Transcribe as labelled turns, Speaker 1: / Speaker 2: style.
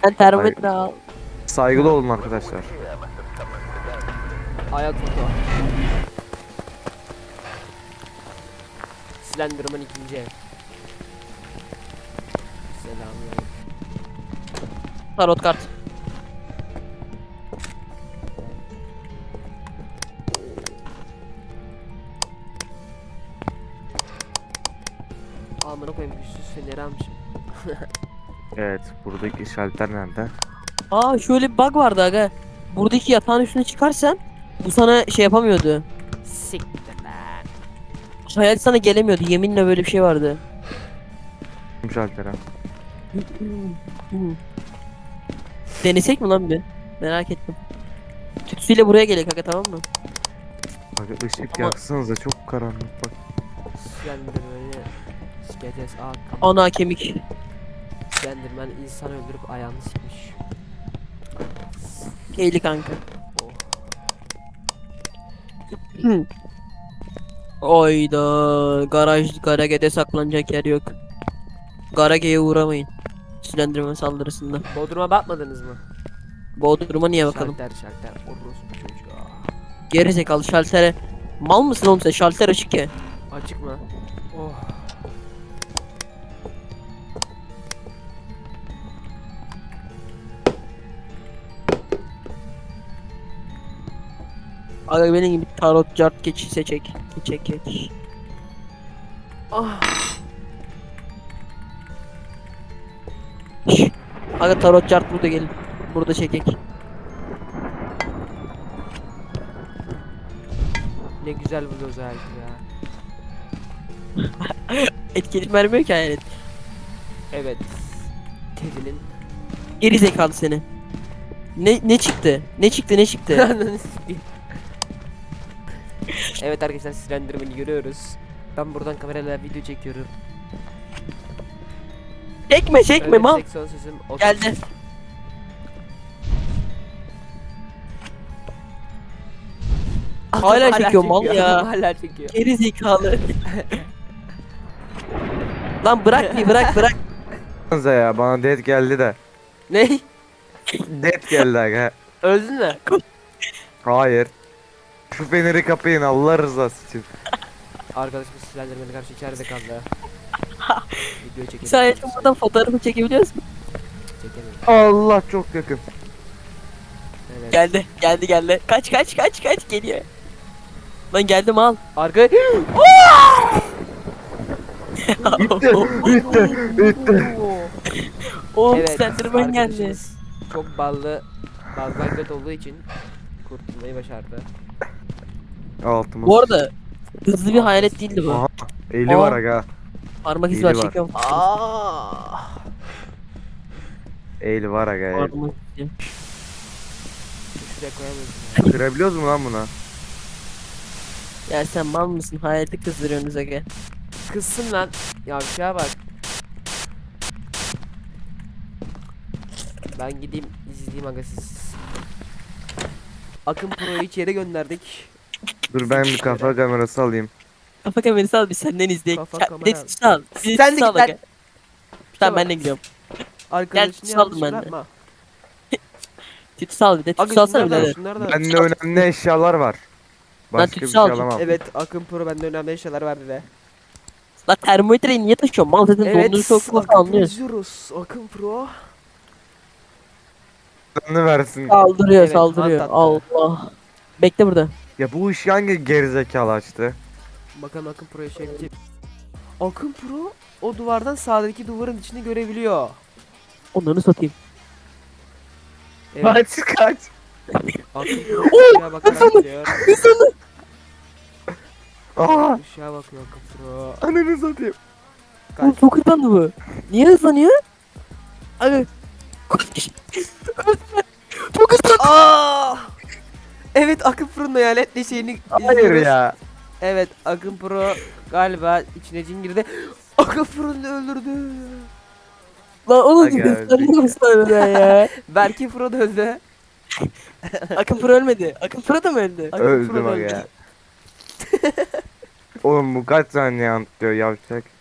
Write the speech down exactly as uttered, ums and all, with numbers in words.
Speaker 1: Sen termometre al.
Speaker 2: Saygılı olun arkadaşlar.
Speaker 3: Ayak foto. Slenderman ikinci ev. Selamünaleyküm.
Speaker 1: Tarot kart.
Speaker 3: Amına koyayım güçsüz feneri almışım.
Speaker 2: Evet, buradaki şalter nerede?
Speaker 1: Aa şöyle bir bug vardı aga. Buradaki yatağın üstüne çıkarsan bu sana şey yapamıyordu.
Speaker 3: Siktir lan.
Speaker 1: Hayal sana gelemiyordu. Yeminle böyle bir şey vardı.
Speaker 2: Kim şaltere?
Speaker 1: Denesek mi lan bir? Merak ettim. Tütsüyle buraya gelek aga, tamam mı?
Speaker 2: Bak ışık
Speaker 1: Ama-
Speaker 2: yaksanıza, çok karanlık bak.
Speaker 3: Slenderman'ı sikeceğiz. Aa kapat.
Speaker 1: Ana kemik.
Speaker 3: Slenderman insan öldürüp ayağını sikmiş.
Speaker 1: Keyli kanka.
Speaker 3: Oh.
Speaker 1: Oyda garaj Garage'de saklanacak yer yok. Garage'ye uğramayın. Slenderman saldırısında.
Speaker 3: Bodrum'a bakmadınız mı?
Speaker 1: Bodrum'a niye bakalım?
Speaker 3: Şalter şalter. Orospu çocuğu.
Speaker 1: Geri zekalı şaltere. Mal mısın oğlum sen? Şalter açık ya.
Speaker 3: Açık mı? Oh.
Speaker 1: Aga benim gibi tarot cart keçi seçek. Keçek geç.
Speaker 3: Ah.
Speaker 1: Şş. Aga tarot cart burada gelin. Burada çekek.
Speaker 3: Ne güzel bu özellik ya.
Speaker 1: Etkilik vermiyor ki hayalet.
Speaker 3: Evet. Teddy'nin.
Speaker 1: Geri zekalı seni. Ne ne çıktı? Ne çıktı ne çıktı?
Speaker 3: Ananı sikeyim. Evet arkadaşlar Slenderman'i görüyoruz. Ben buradan kamerayla video çekiyorum.
Speaker 1: Çekme çekme
Speaker 3: Öyle
Speaker 1: mal.
Speaker 3: son sözüm otuz.
Speaker 1: Geldi.
Speaker 3: Adam
Speaker 1: Hala çekiyor mal
Speaker 3: çekiyor,
Speaker 1: ya.
Speaker 3: adam Hala çekiyor.
Speaker 1: Geri zekalı. Lan bırak bir bırak bırak.
Speaker 2: Baksanıza ya, bana dead geldi de.
Speaker 3: Ne?
Speaker 2: Dead geldi aga.
Speaker 3: Öldün mü?
Speaker 2: Hayır. Şu feneri kapayın Allah rızası için.
Speaker 3: Arkadaşımız Slenderman'e karşı içeride kaldı. Video çekelim.
Speaker 1: Sen yaşamadan fotoğrafı çekebiliyor musun?
Speaker 3: Çekemiyorum.
Speaker 2: Allah çok yakın.
Speaker 3: Evet.
Speaker 1: Geldi geldi geldi. Kaç kaç kaç kaç geliyor. Lan geldim al.
Speaker 3: Arka...
Speaker 2: Bitti, bitti, bitti.
Speaker 1: Oğlum
Speaker 3: Evet,
Speaker 1: Slenderman geldi.
Speaker 3: arkadaşımız çok ballı, baldan göt olduğu için kurtulmayı başardı.
Speaker 2: Altımız.
Speaker 1: Bu arada hızlı bir hayalet değildi bu.
Speaker 2: Aha, eli
Speaker 1: Aa.
Speaker 2: var aga.
Speaker 1: Parmak izi
Speaker 2: Eli
Speaker 1: var
Speaker 2: var.
Speaker 1: çekiyorum.
Speaker 3: Aa!
Speaker 2: Eli var aga. El.
Speaker 1: Parmak izi.
Speaker 3: Şuraya koyamıyorsun.
Speaker 2: Kırabiliyoruz mu lan bunu?
Speaker 1: Ya sen mal mısın? Hayaleti kızdırıyorsunuz aga.
Speaker 3: Kızsın lan. Yavşağa bak. Ben gideyim izleyeyim aga siz. Akın Pro'yu içeri gönderdik.
Speaker 2: Dur ben bir kafa kamerası alayım.
Speaker 1: Kafa kamerası al bir senden izleyek.
Speaker 3: Kafa
Speaker 1: Ka-
Speaker 3: kamera
Speaker 1: Bir de
Speaker 3: al.
Speaker 1: tütsü al. Bir de
Speaker 3: Sen de
Speaker 1: tütsü al
Speaker 3: git lan.
Speaker 1: aga. Tamam ben de gidiyorum.
Speaker 3: Arkadaşını
Speaker 1: saldım
Speaker 3: yanlış
Speaker 1: ben de.
Speaker 3: bırakma.
Speaker 1: Tütsü al bir de.
Speaker 3: Aga
Speaker 1: Tütsü alsana
Speaker 3: şunları da al,
Speaker 1: birader.
Speaker 3: şunları da al.
Speaker 2: Bende önemli eşyalar var. Başka bir
Speaker 1: tütsü
Speaker 2: şey
Speaker 1: alacağım.
Speaker 2: alamam.
Speaker 3: Evet Akın Pro bende önemli eşyalar verdi de.
Speaker 1: Lan termometreyi niye taşıyorsun? Mal zaten
Speaker 3: Evet
Speaker 1: dondurucu soğuk nasıl
Speaker 3: Akın Pro
Speaker 1: anlıyorsun?
Speaker 3: izliyoruz. Akın Pro.
Speaker 2: Canını versin.
Speaker 1: Saldırıyor
Speaker 3: Evet,
Speaker 1: saldırıyor.
Speaker 3: hant attı.
Speaker 1: Allah. Bekle burada.
Speaker 2: Ya bu işi hangi gerizekalı açtı?
Speaker 3: Bakalım Akın Pro'ya şey yapacak. Akın Pro o duvardan sağdaki duvarın içini görebiliyor.
Speaker 1: Onları satayım.
Speaker 3: Evet.
Speaker 2: Kaç kaç.
Speaker 3: Akın Pro ışığa bakarak gidiyor.
Speaker 2: Aa,
Speaker 3: Işığa bakıyor Akın Pro.
Speaker 2: ananı satayım.
Speaker 1: Oğlum çok hızlandı bu. Niye hızlanıyor? Abi. Çok hızlandı.
Speaker 3: Aa! Evet Akın Pro'nun hayaletli şeyini
Speaker 2: Hayır
Speaker 3: izliyoruz.
Speaker 2: ya.
Speaker 3: Evet Akın Pro galiba içine cin girdi. Akın Pro'nu öldürdü.
Speaker 1: Lan oğlum
Speaker 2: Aga,
Speaker 1: gösteriyor musun öyle ya?
Speaker 3: Berke Pro da öldü.
Speaker 1: Akın Pro ölmedi. Akın Pro da mı öldü?
Speaker 3: Akın Pro
Speaker 2: Öldüm
Speaker 3: da
Speaker 2: aga
Speaker 3: öldü.
Speaker 2: ya. Oğlum bu kaç saniye anlatıyor yavşak.